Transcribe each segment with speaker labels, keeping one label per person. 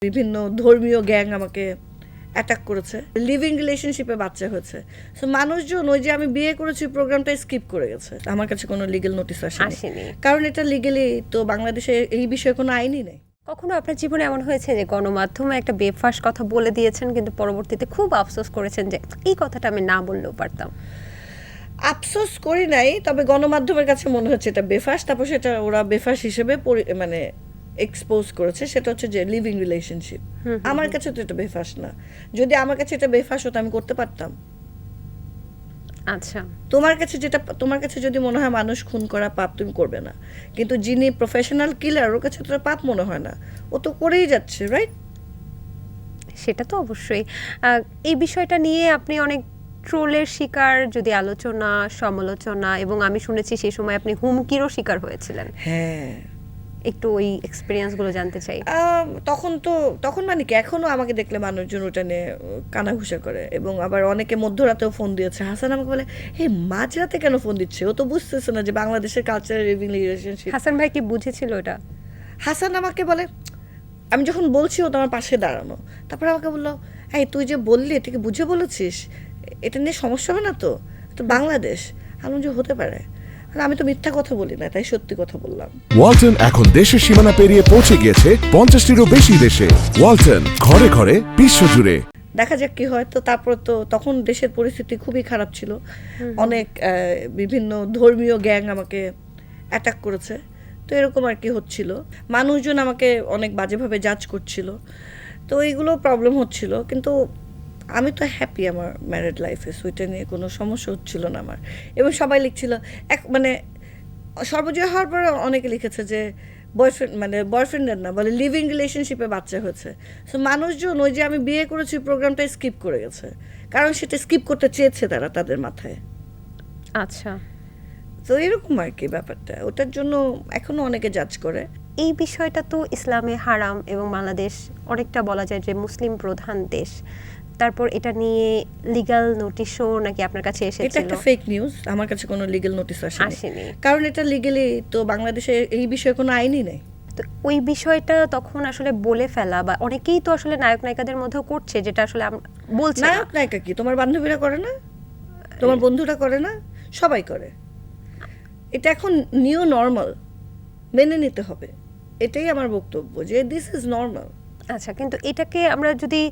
Speaker 1: বিভিন্ন ধর্মীয় গ্যাং আমাকে অ্যাটাক করেছে, লিভিং রিলেশনশিপে বাচ্চা হয়েছে। সো মানুষজন ওই যে আমি বিয়ে করেছি প্রোগ্রামটা স্কিপ করে গেছে, আমার কাছে কোনো লিগ্যাল নোটিস আসেনি, কারণ এটা লিগ্যালি তো বাংলাদেশে এই বিষয়ে কোনো আইনই নেই।
Speaker 2: কখনো আপনার জীবনে এমন হয়েছে যে গণমাধ্যমে একটা বেফাঁস কথা বলে দিয়েছেন, কিন্তু পরবর্তীতে খুব আফসোস করেছেন যে এই কথাটা আমি না বললেও পারতাম?
Speaker 1: আফসোস করি নাই, তবে গণমাধ্যমের কাছে মনে হচ্ছে এটা বেফাঁস, তারপর সেটা ওরা বেফাঁস হিসেবে মানে এক্সপোজ করেছে, সেটা হচ্ছে যে লিভিং রিলেশনশিপ। আমার কাছে তো এটা বেফাঁস না। যদি আমার কাছে এটা বেফাঁস হতো আমি করতে পারতাম।
Speaker 2: আচ্ছা,
Speaker 1: তোমার কাছে যদি মনে হয় মানুষ খুন করা পাপ, তুমি করবে না, কিন্তু যিনি প্রফেশনাল কিলার ওর কাছে তো পাপ মনে হয় না, ও তো করেই যাচ্ছে, রাইট?
Speaker 2: সেটা তো অবশ্যই। এই বিষয়টা নিয়ে আপনি অনেক ট্রোলের শিকার, যদি আলোচনা সমালোচনা, এবং আমি শুনেছি সেই সময় আপনি হুমকিরও শিকার হয়েছিলেন।
Speaker 1: হ্যাঁ,
Speaker 2: একটু ওই এক্সপিরিয়েন্সগুলো জানতে চাই।
Speaker 1: তখন মানে কি, এখনো আমাকে দেখলে মানুষজন ওটা নিয়ে কানাঘুষা করে, এবং আবার অনেকে মধ্যরাতেও ফোন দিয়েছে। হাসান আমাকে বলে, হে মাঝরাতে কেন ফোন দিচ্ছে, ও তো বুঝতেছে না যে বাংলাদেশের কালচারাল লিভিং রিলেশনশিপ।
Speaker 2: হাসান ভাই কি বুঝেছিল এটা?
Speaker 1: হাসান আমাকে বলে, আমি যখন বলছি ও তো আমার পাশে দাঁড়ানো, তারপরে আমাকে বললো, এই তুই যে বললি এটা কি বুঝে বলেছিস, এটা নিয়ে সমস্যা হবে না তো, তো বাংলাদেশ। আমি যে হতে পারে, আমি তো মিথ্যা কথা বলি না, তাই সত্যি কথা বললাম।
Speaker 3: ওয়ালটন এখন দেশের সীমানা পেরিয়ে পৌঁছে গিয়েছে 50টিরও বেশি দেশে। ওয়ালটন, ঘরে ঘরে বিশ্বজুড়ে।
Speaker 1: দেখা যাক কি হয়। তো তারপর তো তখন দেশের পরিস্থিতি খুবই খারাপ ছিল, অনেক বিভিন্ন ধর্মীয় গ্যাং আমাকে অ্যাটাক করেছে, তো এরকম আর কি হচ্ছিল। মানুষজন আমাকে অনেক বাজেভাবে জাজ করছিল, তো এইগুলো প্রবলেম হচ্ছিল। কিন্তু আমি তো হ্যাপি আমার ম্যারিড লাইফে, সুইটা নিয়ে কোনো সমস্যা হচ্ছিল না আমার। এবং সবাই লিখছিল, মানে সর্বজয় হওয়ার পরে অনেকে লিখেছে যে বয়ফ্রেন্ডের না, বলে লিভিং রিলেশনশিপে বাচ্চা হয়েছে। সো মানুষজন ওই যে আমি বিয়ে করেছি প্রোগ্রামটা স্কিপ করে গেছে, কারণ সেটা স্কিপ করতে চেয়েছে তারা তাদের মাথায়।
Speaker 2: আচ্ছা,
Speaker 1: তো এরকম আর কি ব্যাপারটা, ওটার জন্য এখনো অনেকে জাজ করে।
Speaker 2: এই বিষয়টা তো ইসলামে হারাম, এবং বাংলাদেশ অনেকটা বলা যায় যে মুসলিম প্রধান দেশ। তারপর এটা নিয়ে লিগ্যাল নোটিশও নাকি আপনার কাছে
Speaker 1: এটা
Speaker 2: এসেছিল?
Speaker 1: একটা ফেক নিউজ, আমার কাছে কোনো লিগ্যাল নোটিস
Speaker 2: আসেনি,
Speaker 1: কারণ এটা লিগ্যালি তো বাংলাদেশে এই বিষয়ে কোনো আইনই নেই।
Speaker 2: তো ওই বিষয়টা তখন আসলে বলে ফেলা, বা অনেকেই তো আসলে নায়ক নায়িকাদের মধ্যেও করছে, যেটা আসলে বলছে না।
Speaker 1: নায়ক নায়িকা কি তোমার বান্ধবীরা করে না, তোমার বন্ধুরা করে না, সবাই করে। এটা এখন নিউ নর্মাল, মেনে নিতে হবে, এটাই আমার বক্তব্য, যে দিস ইজ নর্মাল।
Speaker 2: আচ্ছা, কিন্তু এটাকে আমরা যদি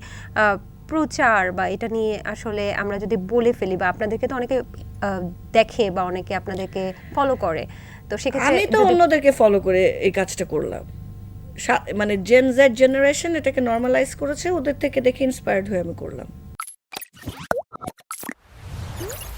Speaker 2: প্রচার বা এটা নিয়ে আসলে আমরা যদি বলে ফেলি, বা আপনাদেরকে তো অনেকে দেখে বা অনেকে আপনাদেরকে ফলো করে, তো সেক্ষেত্রে
Speaker 1: আমি তো অন্যদেরকে ফলো করে এই কাজটা করলাম। মানে জেন জেড জেনারেশন এটাকে নর্মালাইজ করেছে, ওদের থেকে দেখে ইন্সপায়ার্ড হয়ে আমি করলাম।